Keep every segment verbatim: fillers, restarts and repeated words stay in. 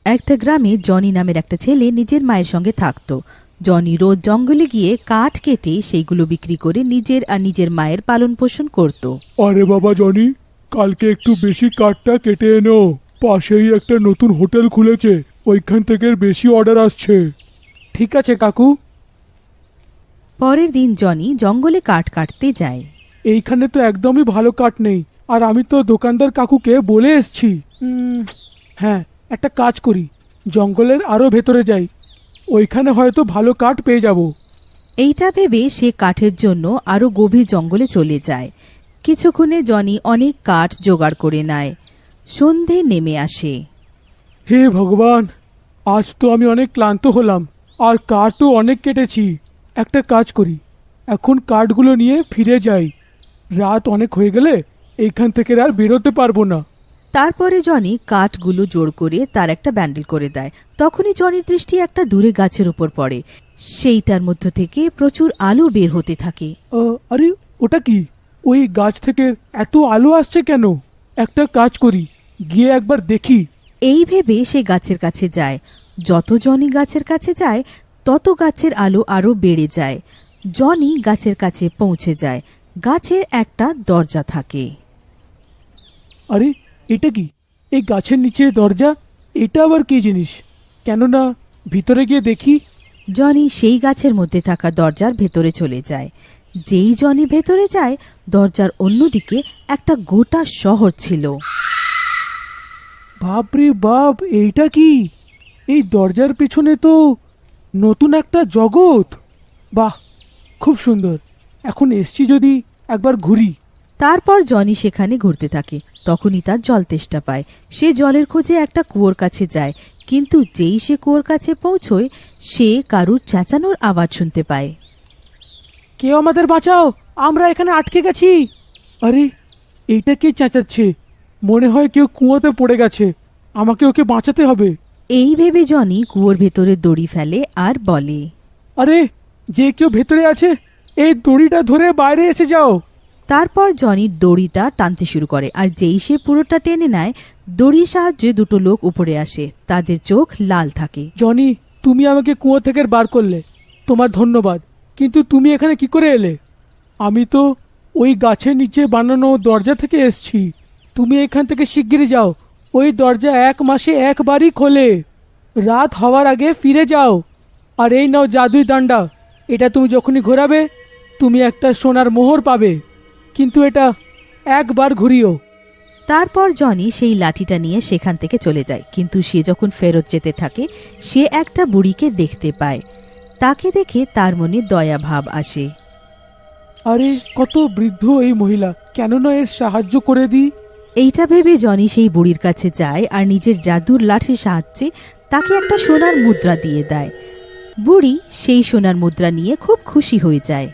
একটা গ্রামে জনি নামের একটা ছেলে নিজের মায়ের সঙ্গে থাকতো। জনি রোজ জঙ্গলে গিয়ে কাঠ কেটে সেইগুলো বিক্রি করে নিজের আর নিজের মায়ের পালন পোষণ করত। আরে বাবা জনি, কালকে একটু বেশি কাঠটা কেটে এনো। পাশেই একটা নতুন হোটেল খুলেছে, ওইখান থেকে বেশি অর্ডার আসছে। ঠিক আছে কাকু। পরের দিন জনি জঙ্গলে কাঠ কাটতে যায়। এইখানে তো একদমই ভালো কাঠ নেই, আর আমি তো দোকানদার কাকুকে বলে এসছি। হ্যাঁ, একটা কাজ করি, জঙ্গলের আরও ভেতরে যাই, ওইখানে হয়তো ভালো কাঠ পেয়ে যাব। এইটা ভেবে সে কাঠের জন্য আরো গভীর জঙ্গলে চলে যায়। কিছুক্ষণে জনি অনেক কাঠ জোগাড় করে নেয়। সন্ধে নেমে আসে। হে ভগবান, আজ তো আমি অনেক ক্লান্ত হলাম, আর কাঠও অনেক কেটেছি। একটা কাজ করি, এখন কাঠগুলো নিয়ে ফিরে যাই। রাত অনেক হয়ে গেলে এইখান থেকে আর বেরোতে পারবো না। তারপরে জনি কাঠগুলো জোড় করে তার একটা ব্যান্ডেল করে দেয়। তখনই জনির দৃষ্টি একটা দূরে গাছের উপর পড়ে। সেইটার মধ্য থেকে প্রচুর আলো বের হতে থাকে। আরে ওটা কি? ওই গাছ থেকে এত আলো আসছে কেন? একটা কাজ করি, গিয়ে একবার দেখি। এই ভেবে সে গাছের কাছে যায়। যত জনি গাছের কাছে যায় তত গাছের আলো আরো বেড়ে যায়। জনি গাছের কাছে পৌঁছে যায়। গাছের একটা দরজা থাকে। আরে এটা কি? এই গাছের নিচে দরজা, এটা আবার কি জিনিস? কেননা ভিতরে গিয়ে দেখি। জনি সেই গাছের মধ্যে থাকা দরজার ভেতরে চলে যায়। যেই জনি ভেতরে যায়, দরজার অন্যদিকে একটা গোটা শহর ছিল। বাপরে বাপ, এইটা কি? এই দরজার পেছনে তো নতুন একটা জগৎ। বাহ, খুব সুন্দর। এখন এসছি, যদি একবার ঘুরি। তারপর জনি সেখানে ঘুরতে থাকে। তখনই তার জল তেষ্টা পায়। সে জলের খোঁজে একটা কুয়োর কাছে যায়, কিন্তু যেই সে কুয়োর কাছে পৌঁছয়, সে কারুর চেঁচানোর আওয়াজ শুনতে পায়। কেউ আমাদের বাঁচাও, আমরা এখানে আটকে গেছি। আরে এইটা কে চেঁচাচ্ছে? মনে হয় কেউ কুয়োতে পড়ে গেছে, আমাকে ওকে বাঁচাতে হবে। এই ভেবে জনি কুয়োর ভেতরে দড়ি ফেলে আর বলে, আরে যে কেউ ভেতরে আছে, এই দড়িটা ধরে বাইরে এসে যাও। তারপর জনি দড়িটা টানতে শুরু করে, আর যেই সে পুরোটা টেনে নেয়, দড়ির সাহায্যে দুটো লোক উপরে আসে। তাদের চোখ লাল থাকে। জনি, তুমি আমাকে কুয়ো থেকে বার করলে, তোমার ধন্যবাদ। কিন্তু তুমি এখানে কি করে এলে? আমি তো ওই গাছের নিচে বানানো দরজা থেকে এসছি। তুমি এখান থেকে শিগগিরই যাও, ওই দরজা এক মাসে একবারই খোলে। রাত হওয়ার আগে ফিরে যাও। আর এই নাও জাদুই ডান্ডা, এটা তুমি যখনই ঘোরাবে তুমি একটা সোনার মোহর পাবে, কিন্তু এটা একবার ঘুরিও। তারপর জনি সেই লাঠিটা নিয়ে সেখান থেকে চলে যায়। কিন্তু সে যখন ফেরত যেতে থাকে, সে একটা বুড়িকে দেখতে পায়। তাকে দেখে তার মনে দয়া ভাব আসে। আরে কত বৃদ্ধ এই মহিলা, কেন না এর সাহায্য করে দিই। এইটা ভেবে জনি সেই বুড়ির কাছে যায় আর নিজের জাদুর লাঠির সাহায্যে তাকে একটা সোনার মুদ্রা দিয়ে দেয়। বুড়ি সেই সোনার মুদ্রা নিয়ে খুব খুশি হয়ে যায়।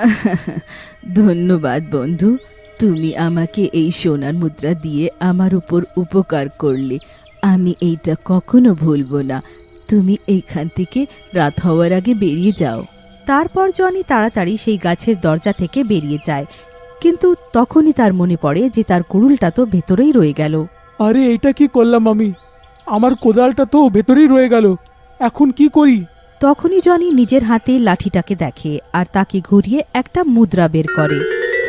ধন্যবাদ বন্ধু, তুমি আমাকে এই সোনার মুদ্রা দিয়ে আমার উপর উপকার করলে। আমি এইটা কখনো ভুলবো না। তুমি এইখান থেকে রাত হওয়ার আগে বেরিয়ে যাও। তারপর জনি তাড়াতাড়ি সেই গাছের দরজা থেকে বেরিয়ে যায়। কিন্তু তখনই তার মনে পড়ে যে তার কুড়ুলটা তো ভেতরেই রয়ে গেল। আরে এইটা কি করলাম আমি? আমার কোদালটা তো ভেতরেই রয়ে গেল, এখন কি করি? তখনই জনি নিজের হাতে লাঠিটাকে দেখে আর তাকে ঘুরিয়ে একটা মুদ্রা বের করে।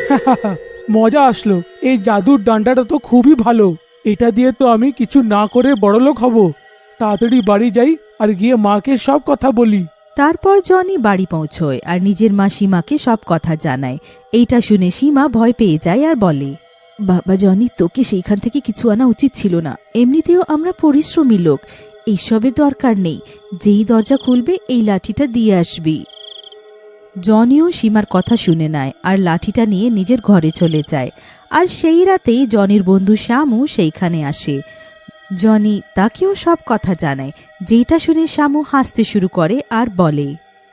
মজা আসলো। এই জাদুর ডান্ডাটা তো খুবই ভালো, এটা দিয়ে তো আমি কিছু না করে বড়লোক হব। তাড়াতাড়ি বাড়ি যাই আর গিয়ে মাকে সব কথা বলি। তারপর জনি বাড়ি পৌঁছয় আর নিজের মা সীমাকে সব কথা জানায়। এইটা শুনে সীমা ভয় পেয়ে যায় আর বলে, বাবা জনি, তোকে সেইখান থেকে কিছু আনা উচিত ছিল না। এমনিতেও আমরা পরিশ্রমী লোক, এইসবের দরকার নেই। যেই দরজা খুলবে এই লাঠিটা দিয়ে আসবি। জনিও সীমার কথা শুনে নেয় আর লাঠিটা নিয়ে নিজের ঘরে চলে যায়। আর সেই রাতেই জনির বন্ধু শ্যামু সেইখানে আসে। জনি তাকেও সব কথা জানায়। যেটা শুনে শ্যামু হাসতে শুরু করে আর বলে,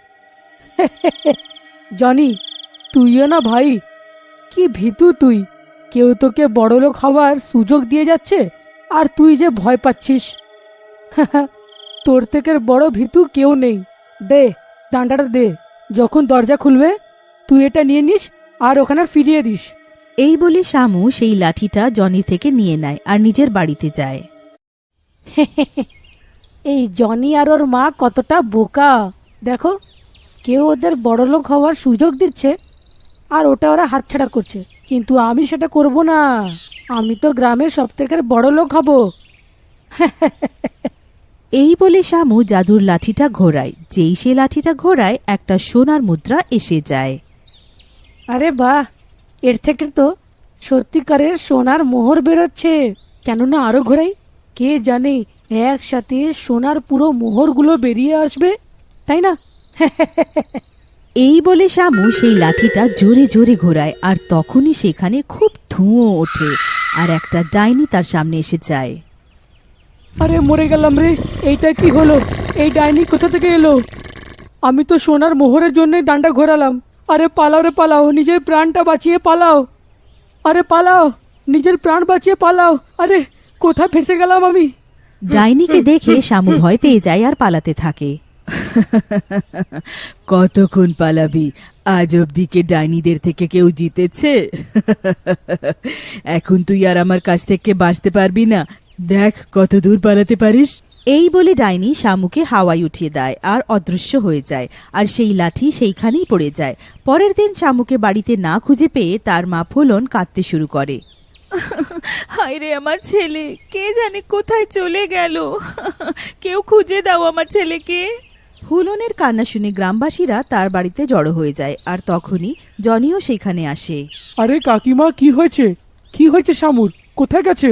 জনি, তুইও না ভাই, কি ভীতু তুই। কেউ তোকে বড়লোক হওয়ার সুযোগ দিয়ে যাচ্ছে আর তুই যে ভয় পাচ্ছিস। তোর থেকে বড় ভীতু কেউ নেই। দে ডান্ডাটা দে, যখন দরজা খুলবে তুই এটা নিয়ে নিস আর ওখানে ফিরিয়ে দিস। এই বলে শ্যামু সেই লাঠিটা জনি থেকে নিয়ে নেয় আর নিজের বাড়িতে যায়। এই জনি আর ওর মা কতটা বোকা দেখো, কেউ ওদের বড়লোক হওয়ার সুযোগ দিচ্ছে আর ওটা ওরা হাতছাড়া করছে, কিন্তু আমি সেটা করব না। আমি তো গ্রামের সব থেকে বড়লোক হব। এই বলে শামু জাদুর লাঠিটা ঘোরায়। যেই সে লাঠিটা ঘোরায় একটা সোনার মুদ্রা এসে যায়। আরে বাহ, এর থেকে তো সত্যিকারের সোনার মোহর বেরোচ্ছে। কেননা আরো ঘোরাই, কে জানে একসাথে সোনার পুরো মোহরগুলো বেরিয়ে আসবে, তাই না? এই বলে শামু সেই লাঠিটা জোরে জোরে ঘোরায়, আর তখনই সেখানে খুব ধুঁয়ো ওঠে আর একটা ডাইনি তার সামনে এসে যায়। আরে মরে গেলাম রে, এইটা কি হলো? এই ডাইনি কোথা থেকে এলো? আমি তো সোনার মোহরের জন্যই ডান্ডা ঘোরালাম। আরে পালাও রে পালাও, নিজের প্রাণটা বাঁচিয়ে পালাও। আরে পালাও, নিজের প্রাণ বাঁচিয়ে পালাও। আরে কোথায় ফেসে গেলাম আমি? ডাইনিকে দেখে শামু ভয় পেয়ে যায় আর পালাতে থাকে। কতক্ষণ পালাবি? আজ অব্দিকে ডাইনিদের থেকে কেউ জিতেছে? এখন তুই আর আমার কাছ থেকে বাঁচতে পারবি না। দেখ কত দূর পালাতে পারিস। এই বলে ডাইনি শামুকে হাওয়ায় উঠিয়ে দেয় আর অদৃশ্য হয়ে যায়, আর সেই লাঠি সেইখানেই পড়ে যায়। পরের দিন শামুকে বাড়িতে না খুঁজে পেয়ে তার মা ফুলন কাঁদতে শুরু করে। হায় রে আমার ছেলে, কে জানে কোথায় চলে গেল। কেউ খুঁজে দাও আমার ছেলেকে। ফুলনের কান্না শুনে গ্রামবাসীরা তার বাড়িতে জড়ো হয়ে যায়, আর তখনই জনিও সেখানে আসে। আরে কাকিমা, কি হয়েছে? কি হয়েছে শামুর? কোথায় গেছে?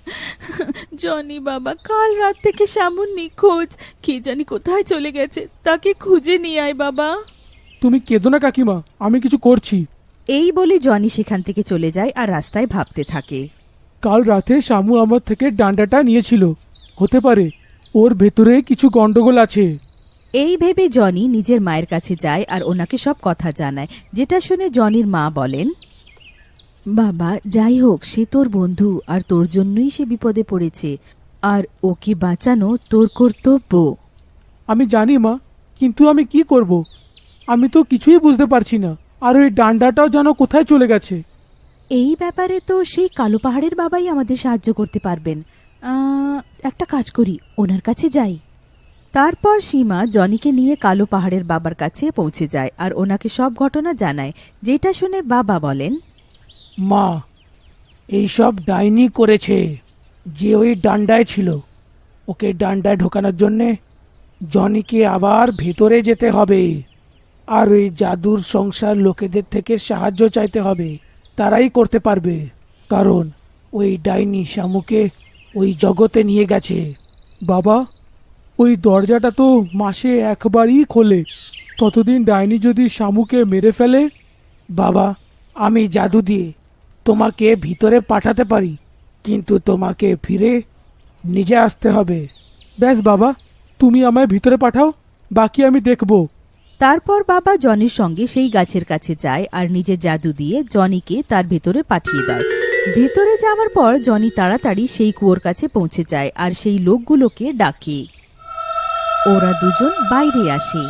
জনি বাবা, কাল রাত থেকে শামুর নিখোঁজ। কে জানি কোথায় চলে গেছে, তাকে খুঁজে নিয়ে আয় বাবা। তুমি কেঁদো না কাকিমা, আমি কিছু করছি। এই বলে জনি সেখান থেকে চলে যায় আর রাস্তায় ভাবতে থাকে। কাল রাতে শামু আমার থেকে ডান্ডাটা নিয়েছিল, হতে পারে ওর ভেতরে কিছু গন্ডগোল আছে। এই ভেবে জনি নিজের মায়ের কাছে যায় আর ওনাকে সব কথা জানায়, যেটা শুনে জনির মা বলেন, বাবা যাই হোক, সে তোর বন্ধু আর তোর জন্যই সে বিপদে পড়েছে, আর ওকে বাঁচানো তোর কর্তব্য। আমি জানি মা, কিন্তু আমি কি করব? আমি তো কিছুই বুঝতে পারছি না। আর ওই ডান্ডাটাও যেন কোথায় চলে গেছে। এই ব্যাপারে তো সেই কালো পাহাড়ের বাবাই আমাদের সাহায্য করতে পারবেন। আহ, একটা কাজ করি, ওনার কাছে যাই। তারপর সীমা জনিকে নিয়ে কালো পাহাড়ের বাবার কাছে পৌঁছে যায় আর ওনাকে সব ঘটনা জানায়, যেটা শুনে বাবা বলেন, মা, এইসব ডাইনি করেছে। যে ওই ডান্ডায় ছিল, ওকে ডান্ডায় ঢোকানোর জন্যে জনিকে আবার ভেতরে যেতে হবে, আর ওই জাদুর সংসার লোকেদের থেকে সাহায্য চাইতে হবে। তারাই করতে পারবে, কারণ ওই ডাইনি শামুকে ওই জগতে নিয়ে গেছে। বাবা, ওই দরজাটা তো মাসে একবারই খোলে। ততদিন ডাইনি যদি শামুকে মেরে ফেলে। বাবা, আমি জাদু দিয়ে তোমাকে ভিতরে পাঠাতে পারি, কিন্তু তোমাকে ফিরে নিজে আসতে হবে। ব্যাস বাবা, তুমি আমায় ভিতরে পাঠাও, বাকি আমি দেখব। তারপর বাবা জনির সঙ্গে সেই গাছের কাছে যায় আর নিজের জাদু দিয়ে জনিকে তার ভেতরে পাঠিয়ে দেয়। ভেতরে যাওয়ার পর জনি তাড়াতাড়ি সেই কুয়োর কাছে পৌঁছে যায় আর সেই লোকগুলোকে ডাকে। ওরা দুজন বাইরে আসে।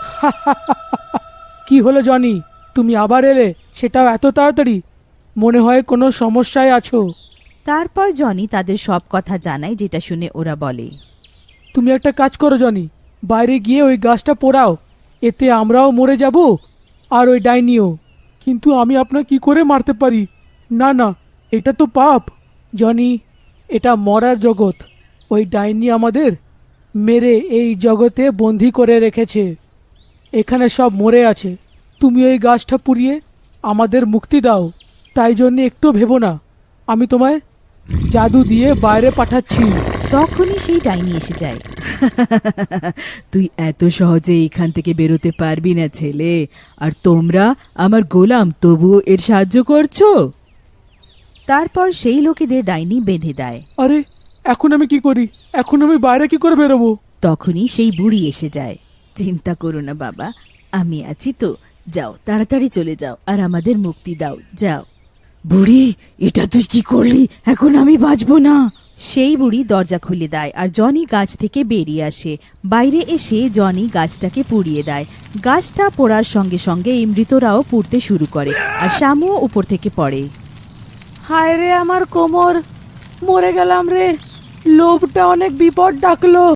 কি হলো জনি, তুমি আবার এলে, সেটাও এত তাড়াতাড়ি? মনে হয় কোনো সমস্যায় আছো। তারপর জনি তাদের সব কথা জানায়, যেটা শুনে ওরা বলে, তুমি একটা কাজ করো জনি, বাইরে গিয়ে ওই গাছটা পোড়াও, এতে আমরাও মরে যাব আর ওই ডাইনিও। কিন্তু আমি আপনার কি করে মারতে পারি? না না, এটা তো পাপ। জনি, এটা মরার জগৎ। ওই ডাইনি আমাদের মেরে এই জগতে বন্দি করে রেখেছে। এখানে সব মরে আছে। তুমি ওই গাছটা পুড়িয়ে আমাদের মুক্তি দাও। তাই জন্য একটু ভেবো না, আমি তোমায় জাদু দিয়ে বাইরে পাঠাচ্ছি। তখনই সেই ডাইনি এসে যায়। তুই এত সহজে এখান থেকে বেরোতে পারবি না ছেলে, আর তোমরা আমার গোলাম, তবুও এর সাহায্য করছো। তারপর সেই লোকেদের ডাইনি বেঁধে দেয়। আরে এখন আমি কি করি? এখন আমি বাইরে কি করে বেরোবো? তখনই সেই বুড়ি এসে যায়। চিন্তা করো না বাবা, আমি আছি তো। যাও, তাড়াতাড়ি চলে যাও আর আমাদের মুক্তি দাও, যাও। বুড়ি, এটা তুই কি করলি? এখন আমি বাঁচবো না। সেই বুড়ি দরজা খুলে দেয় আর জনি গাছ থেকে বেরিয়ে আসে। বাইরে এসে জনি গাছটাকে পুড়িয়ে দেয়। গাছটা পোড়ার সঙ্গে সঙ্গে এই মৃতরাও পুড়তে শুরু করে আর শামুও উপর থেকে পড়ে। হায় রে আমার কোমর, মরে গেলাম রে। লোভটা অনেক বিপদ ডাকলো।